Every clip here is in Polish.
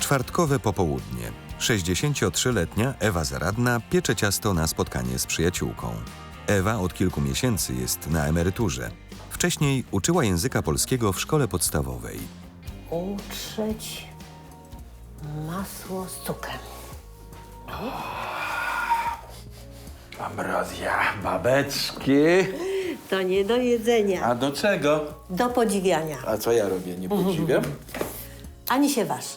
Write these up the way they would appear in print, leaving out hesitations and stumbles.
Czwartkowe popołudnie. 63-letnia Ewa Zaradna piecze ciasto na spotkanie z przyjaciółką. Ewa od kilku miesięcy jest na emeryturze. Wcześniej uczyła języka polskiego w szkole podstawowej. Utrzeć masło z cukrem. Ambrozja, babeczki. To nie do jedzenia, A do czego? do podziwiania. A co ja robię? Nie podziwiam? Ani się waż.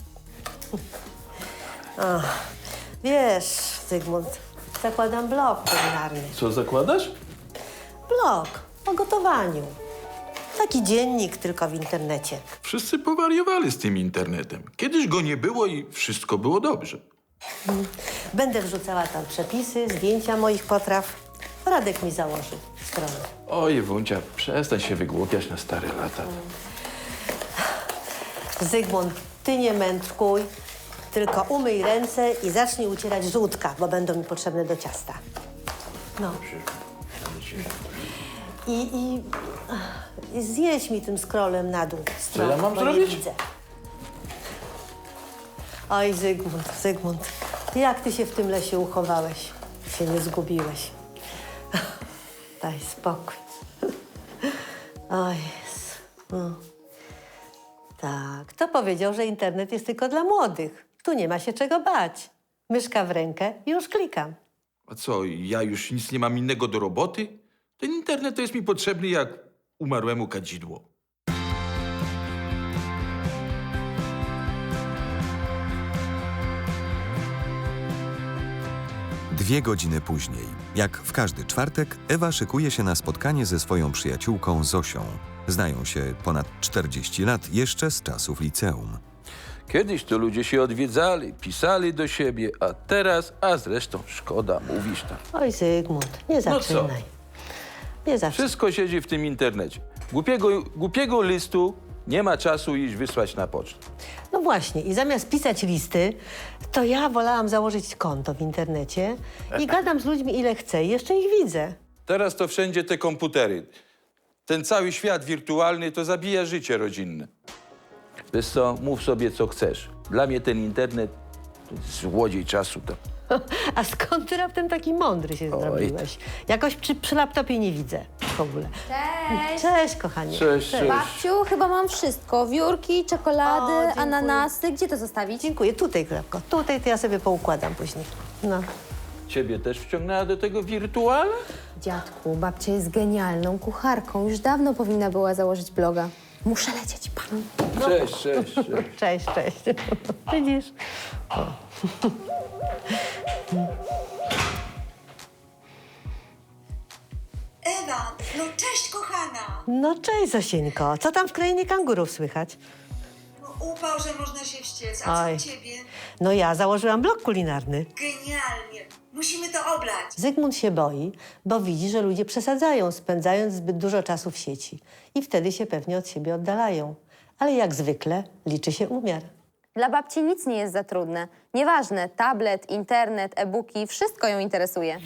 O, wiesz, Zygmunt, zakładam blog kulinarny. Co zakładasz? Blog o gotowaniu. Taki dziennik, tylko w internecie. Wszyscy powariowali z tym internetem. Kiedyś go nie było i wszystko było dobrze. Będę wrzucała tam przepisy, zdjęcia moich potraw. Radek mi założy stronę. Oj, Wuncia, przestań się wygłupiać na stare lata. Zygmunt, ty nie mędrkuj, tylko umyj ręce i zacznij ucierać żółtka, bo będą mi potrzebne do ciasta. No. I zjeść mi tym scrollem na dół. Co ja mam bo zrobić? Nie widzę. Oj, Zygmunt, jak ty się w tym lesie uchowałeś? Się nie zgubiłeś. Daj spokój. O Jezu. No. Tak, kto powiedział, że internet jest tylko dla młodych? Tu nie ma się czego bać. Myszka w rękę i już klikam. A co, ja już nic nie mam innego do roboty? Ten internet to jest mi potrzebny jak umarłemu kadzidło. Dwie godziny później, jak w każdy czwartek, Ewa szykuje się na spotkanie ze swoją przyjaciółką Zosią. Znają się ponad 40 lat jeszcze z czasów liceum. Kiedyś to ludzie się odwiedzali, pisali do siebie, a teraz, a zresztą szkoda, mówisz tam. Oj, Zygmunt, nie co? zaczynaj. Nie zaczynaj. Wszystko siedzi w tym internecie. Głupiego listu nie ma czasu iść wysłać na pocztę. No właśnie, i zamiast pisać listy, to ja wolałam założyć konto w internecie i gadam z ludźmi ile chcę i jeszcze ich widzę. Teraz to wszędzie te komputery. Ten cały świat wirtualny to zabija życie rodzinne. Wiesz co, mów sobie co chcesz. Dla mnie ten internet to jest złodziej czasu. To. A skąd ty raptem taki mądry się zrobiłeś? Jakoś przy laptopie nie widzę w ogóle. Cześć! Cześć, kochanie. Cześć. Babciu, chyba mam wszystko. Wiórki, czekolady, O, dziękuję. ananasy. Gdzie to zostawić? Dziękuję. Tutaj, Klepko. Tutaj to ja sobie poukładam później. No. Ciebie też wciągnęła do tego wirtuala? Dziadku, babcia jest genialną kucharką. Już dawno powinna była założyć bloga. Muszę lecieć, pan. Cześć. Cześć. Widzisz? Ewa, no cześć kochana! No cześć, Zosieńko. Co tam w krainie kangurów słychać? No upał, że można się wściec, a Oj. co u ciebie? No ja założyłam blog kulinarny. Genialnie! Musimy to oblać! Zygmunt się boi, bo widzi, że ludzie przesadzają, spędzając zbyt dużo czasu w sieci. I wtedy się pewnie od siebie oddalają. Ale jak zwykle liczy się umiar. Dla babci nic nie jest za trudne. Nieważne, tablet, internet, e-booki, wszystko ją interesuje.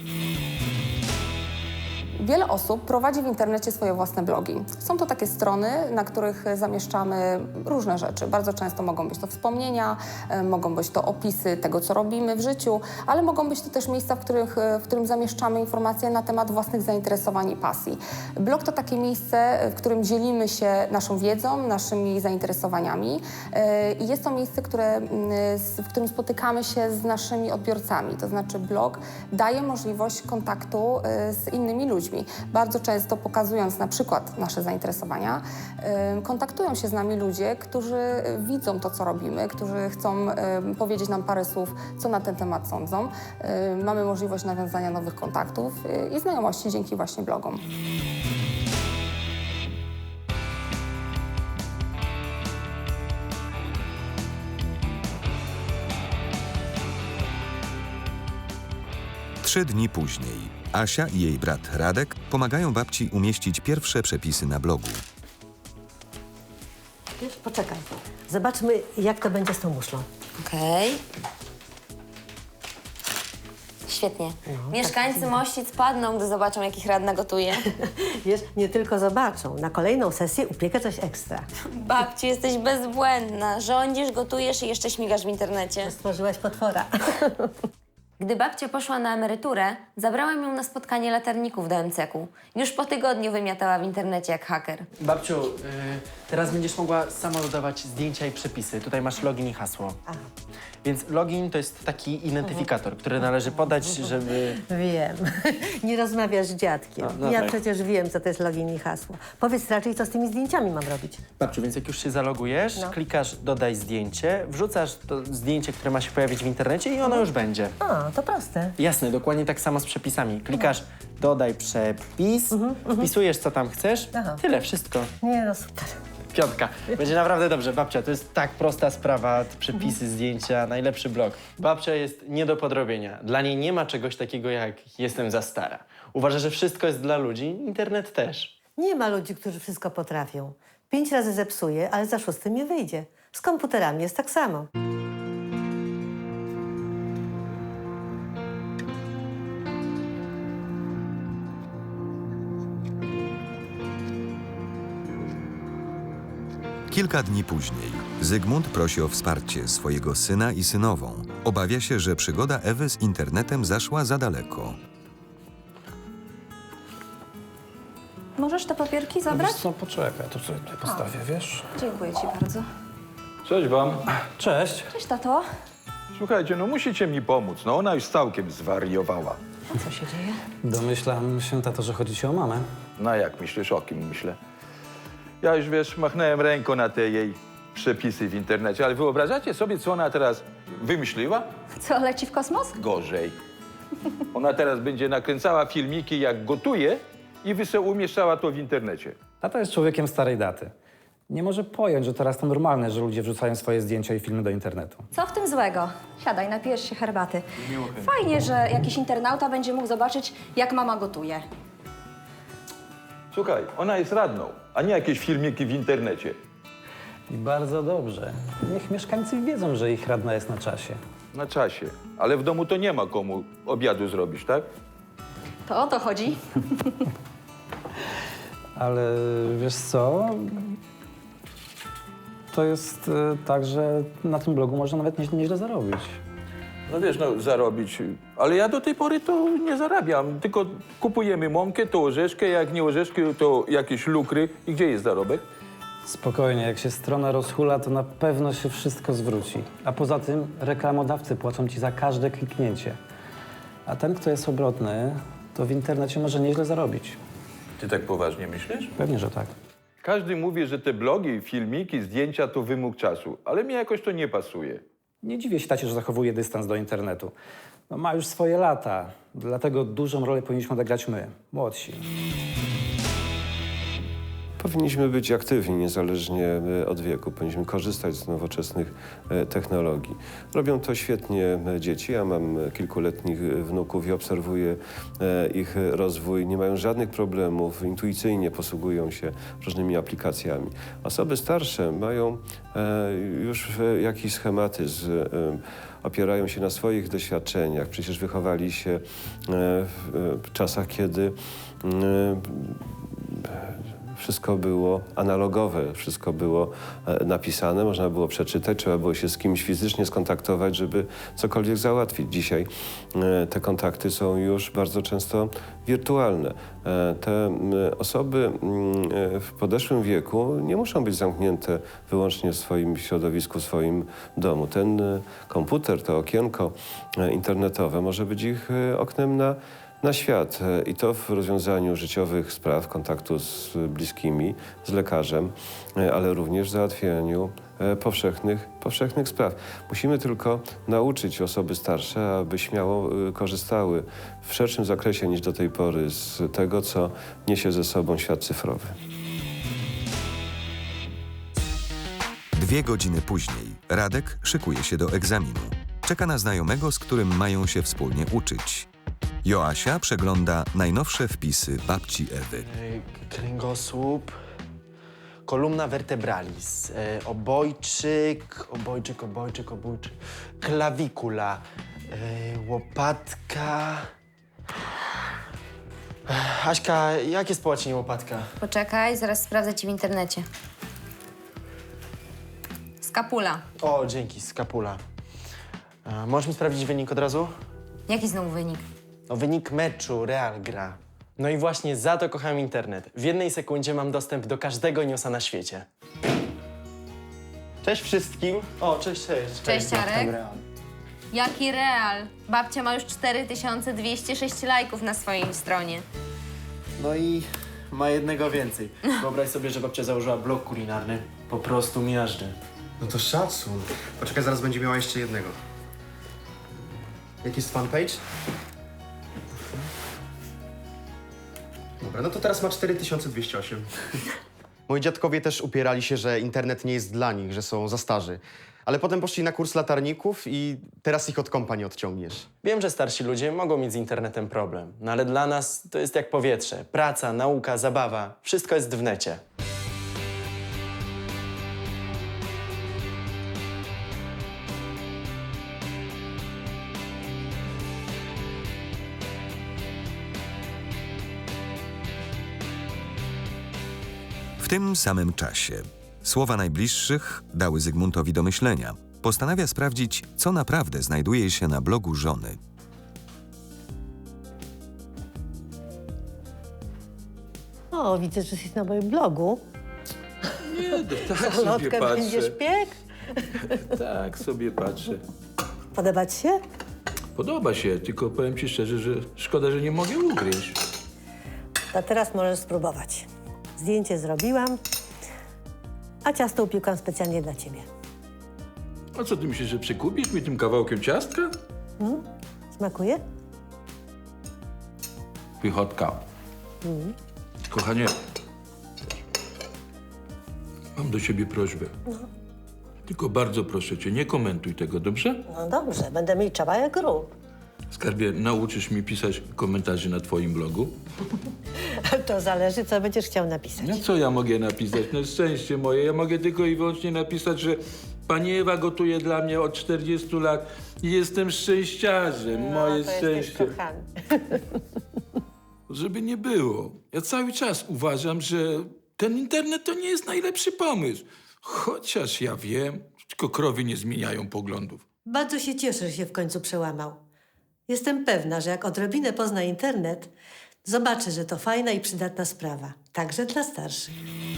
Wiele osób prowadzi w internecie swoje własne blogi. Są to takie strony, na których zamieszczamy różne rzeczy. Bardzo często mogą być to wspomnienia, mogą być to opisy tego, co robimy w życiu, ale mogą być to też miejsca, w którym zamieszczamy informacje na temat własnych zainteresowań i pasji. Blog to takie miejsce, w którym dzielimy się naszą wiedzą, naszymi zainteresowaniami i jest to miejsce, w którym spotykamy się z naszymi odbiorcami. To znaczy blog daje możliwość kontaktu z innymi ludźmi. Bardzo często pokazując na przykład nasze zainteresowania, kontaktują się z nami ludzie, którzy widzą to, co robimy, którzy chcą powiedzieć nam parę słów, co na ten temat sądzą. Mamy możliwość nawiązania nowych kontaktów i znajomości dzięki właśnie blogom. Trzy dni później Asia i jej brat Radek pomagają babci umieścić pierwsze przepisy na blogu. Wiesz, poczekaj. Zobaczmy, jak to będzie z tą muszlą. Okej. świetnie. Mieszkańcy Mościc padną, gdy zobaczą, jak ich radna gotuje. Wiesz, nie tylko zobaczą. Na kolejną sesję upiekę coś ekstra. Babciu, jesteś bezbłędna. Rządzisz, gotujesz i jeszcze śmigasz w internecie. Stworzyłaś potwora. Gdy babcia poszła na emeryturę, zabrałam ją na spotkanie latarników do MCK-u. Już po tygodniu wymiatała w internecie jak haker. Babciu, teraz będziesz mogła sama dodawać zdjęcia i przepisy. Tutaj masz login i hasło. Więc login to jest taki identyfikator, który należy podać, żeby... Wiem. Nie rozmawiasz z dziadkiem. No Ja tak. przecież wiem, co to jest login i hasło. Powiedz raczej, co z tymi zdjęciami mam robić. Babciu, więc jak już się zalogujesz, klikasz dodaj zdjęcie, wrzucasz to zdjęcie, które ma się pojawić w internecie i ono już będzie. A, to proste. Jasne, dokładnie tak samo z przepisami. Klikasz dodaj przepis, wpisujesz co tam chcesz, tyle, wszystko. Nie no, super. Piątka. Będzie naprawdę dobrze. Babcia, to jest tak prosta sprawa, te przepisy, zdjęcia, najlepszy blog. Babcia jest nie do podrobienia. Dla niej nie ma czegoś takiego jak jestem za stara. Uważa, że wszystko jest dla ludzi, internet też. Nie ma ludzi, którzy wszystko potrafią. 5 razy zepsuję, ale za 6 nie wyjdzie. Z komputerami jest tak samo. Kilka dni później Zygmunt prosi o wsparcie swojego syna i synową. Obawia się, że przygoda Ewy z internetem zaszła za daleko. Możesz te papierki zabrać? Wiesz co, poczekaj, to sobie tutaj postawię, wiesz? Dziękuję ci bardzo. Cześć wam. Cześć. Cześć, tato. Słuchajcie, no musicie mi pomóc. No ona już całkiem zwariowała. A co się dzieje? Domyślam się, tato, że chodzi ci o mamę. No jak myślisz, o kim myślę? Ja już, wiesz, machnąłem ręką na te jej przepisy w internecie, ale wyobrażacie sobie, co ona teraz wymyśliła? Co, leci w kosmos? Gorzej. Ona teraz będzie nakręcała filmiki, jak gotuje i umieszczała to w internecie. Tata jest człowiekiem starej daty. Nie może pojąć, że teraz to normalne, że ludzie wrzucają swoje zdjęcia i filmy do internetu. Co w tym złego? Siadaj, napijesz się herbaty. Fajnie, że jakiś internauta będzie mógł zobaczyć, jak mama gotuje. Słuchaj, ona jest radną, a nie jakieś filmiki w internecie. I bardzo dobrze. Niech mieszkańcy wiedzą, że ich radna jest na czasie. Na czasie. Ale w domu to nie ma komu obiadu zrobić, tak? To o to chodzi. Ale wiesz co? To jest tak, że na tym blogu można nawet nieźle zarobić. No wiesz, no zarobić. Ale ja do tej pory to nie zarabiam. Tylko kupujemy mąkę, to orzeszkę, jak nie orzeszki, to jakieś lukry. I gdzie jest zarobek? Spokojnie, jak się strona rozhula, to na pewno się wszystko zwróci. A poza tym reklamodawcy płacą ci za każde kliknięcie. A ten, kto jest obrotny, to w internecie może nieźle zarobić. Ty tak poważnie myślisz? Pewnie, że tak. Każdy mówi, że te blogi, filmiki, zdjęcia to wymóg czasu. Ale mi jakoś to nie pasuje. Nie dziwię się tacie, że zachowuje dystans do internetu. No, ma już swoje lata, dlatego dużą rolę powinniśmy odegrać my, młodsi. Powinniśmy być aktywni niezależnie od wieku. Powinniśmy korzystać z nowoczesnych technologii. Robią to świetnie dzieci. Ja mam kilkuletnich wnuków i obserwuję ich rozwój. Nie mają żadnych problemów, intuicyjnie posługują się różnymi aplikacjami. Osoby starsze mają już jakiś schematyzm, opierają się na swoich doświadczeniach. Przecież wychowali się w czasach, kiedy wszystko było analogowe, wszystko było napisane, można było przeczytać, trzeba było się z kimś fizycznie skontaktować, żeby cokolwiek załatwić. Dzisiaj te kontakty są już bardzo często wirtualne. Te osoby w podeszłym wieku nie muszą być zamknięte wyłącznie w swoim środowisku, w swoim domu. Ten komputer, to okienko internetowe może być ich oknem na świat i to w rozwiązaniu życiowych spraw, kontaktu z bliskimi, z lekarzem, ale również w załatwianiu powszechnych spraw. Musimy tylko nauczyć osoby starsze, aby śmiało korzystały w szerszym zakresie niż do tej pory z tego, co niesie ze sobą świat cyfrowy. 2 godziny później Radek szykuje się do egzaminu. Czeka na znajomego, z którym mają się wspólnie uczyć. Joasia przegląda najnowsze wpisy babci Ewy. Kręgosłup, kolumna vertebralis, obojczyk, klawikula, Łopatka... Aśka, jak jest po łacinie łopatka? Poczekaj, zaraz sprawdzę ci w internecie. Skapula. O, dzięki, skapula. Możesz mi sprawdzić wynik od razu? Jaki znowu wynik? No, wynik meczu, Real gra. No i właśnie za to kocham internet. W jednej sekundzie mam dostęp do każdego newsa na świecie. Cześć wszystkim. O, cześć. Cześć, Arek. Jaki Real? Babcia ma już 4206 lajków na swojej stronie. No i ma jednego więcej. Wyobraź sobie, że babcia założyła blog kulinarny. Po prostu miażdży. No to szacun. Poczekaj, zaraz będzie miała jeszcze jednego. Jaki jest fanpage? Dobra, no to teraz ma 4208. Moi dziadkowie też upierali się, że internet nie jest dla nich, że są za starzy. Ale potem poszli na kurs latarników i teraz ich od kompa nie odciągniesz. Wiem, że starsi ludzie mogą mieć z internetem problem, no ale dla nas to jest jak powietrze. Praca, nauka, zabawa. Wszystko jest w necie. W tym samym czasie słowa najbliższych dały Zygmuntowi do myślenia. Postanawia sprawdzić, co naprawdę znajduje się na blogu żony. O, widzę, że jesteś na moim blogu. Nie, tak sobie Salotkę patrzę. będziesz piekł? Tak sobie patrzę. Podoba ci się? Podoba się, tylko powiem ci szczerze, że szkoda, że nie mogę ugryźć. To teraz możesz spróbować. Zdjęcie zrobiłam, a ciasto upiekłam specjalnie dla ciebie. A co ty myślisz, że przykupisz mi tym kawałkiem ciastka? Smakuje? Pychotka. Kochanie, mam do ciebie prośbę. Tylko bardzo proszę cię, nie komentuj tego, dobrze? No dobrze, będę milczała jak grób. Skarbie, nauczysz mi pisać komentarzy na twoim blogu? To zależy, co będziesz chciał napisać. No co ja mogę napisać? No szczęście moje. Ja mogę tylko i wyłącznie napisać, że pani Ewa gotuje dla mnie od 40 lat i jestem szczęściarzem. Moje to szczęście. jesteś kochany. Żeby nie było. Ja cały czas uważam, że ten internet to nie jest najlepszy pomysł. Chociaż ja wiem, tylko krowy nie zmieniają poglądów. Bardzo się cieszę, że się w końcu przełamał. Jestem pewna, że jak odrobinę pozna internet, zobaczy, że to fajna i przydatna sprawa. Także dla starszych.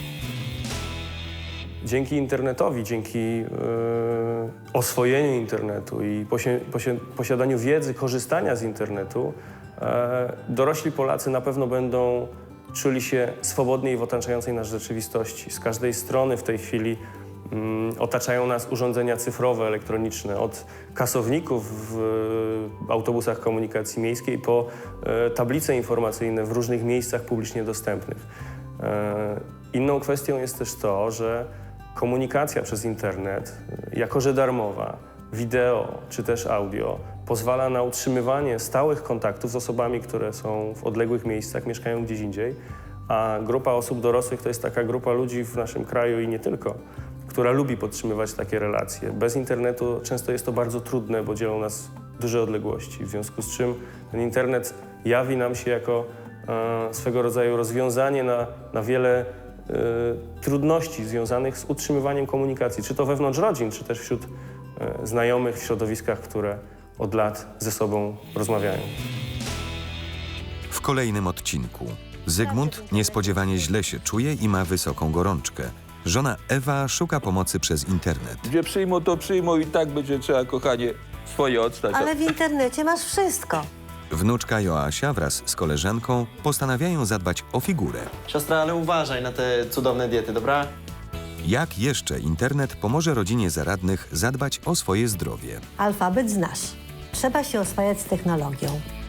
Dzięki internetowi, dzięki oswojeniu internetu i posiadaniu wiedzy, korzystania z internetu, dorośli Polacy na pewno będą czuli się swobodniej w otaczającej nas rzeczywistości. Z każdej strony w tej chwili otaczają nas urządzenia cyfrowe, elektroniczne, od kasowników w autobusach komunikacji miejskiej po tablice informacyjne w różnych miejscach publicznie dostępnych. Inną kwestią jest też to, że komunikacja przez internet, jako że darmowa, wideo czy też audio, pozwala na utrzymywanie stałych kontaktów z osobami, które są w odległych miejscach, mieszkają gdzieś indziej, a grupa osób dorosłych to jest taka grupa ludzi w naszym kraju i nie tylko, która lubi podtrzymywać takie relacje. Bez internetu często jest to bardzo trudne, bo dzielą nas duże odległości, w związku z czym ten internet jawi nam się jako swego rodzaju rozwiązanie na wiele trudności związanych z utrzymywaniem komunikacji, czy to wewnątrz rodzin, czy też wśród znajomych w środowiskach, które od lat ze sobą rozmawiają. W kolejnym odcinku Zygmunt niespodziewanie źle się czuje i ma wysoką gorączkę. Żona Ewa szuka pomocy przez internet. Gdzie przyjmą, to przyjmą i tak będzie trzeba, kochanie, swoje odstać. Ale w internecie masz wszystko. Wnuczka Joasia wraz z koleżanką postanawiają zadbać o figurę. Siostra, ale uważaj na te cudowne diety, dobra? Jak jeszcze internet pomoże rodzinie zaradnych zadbać o swoje zdrowie? Alfabet znasz. Trzeba się oswajać z technologią.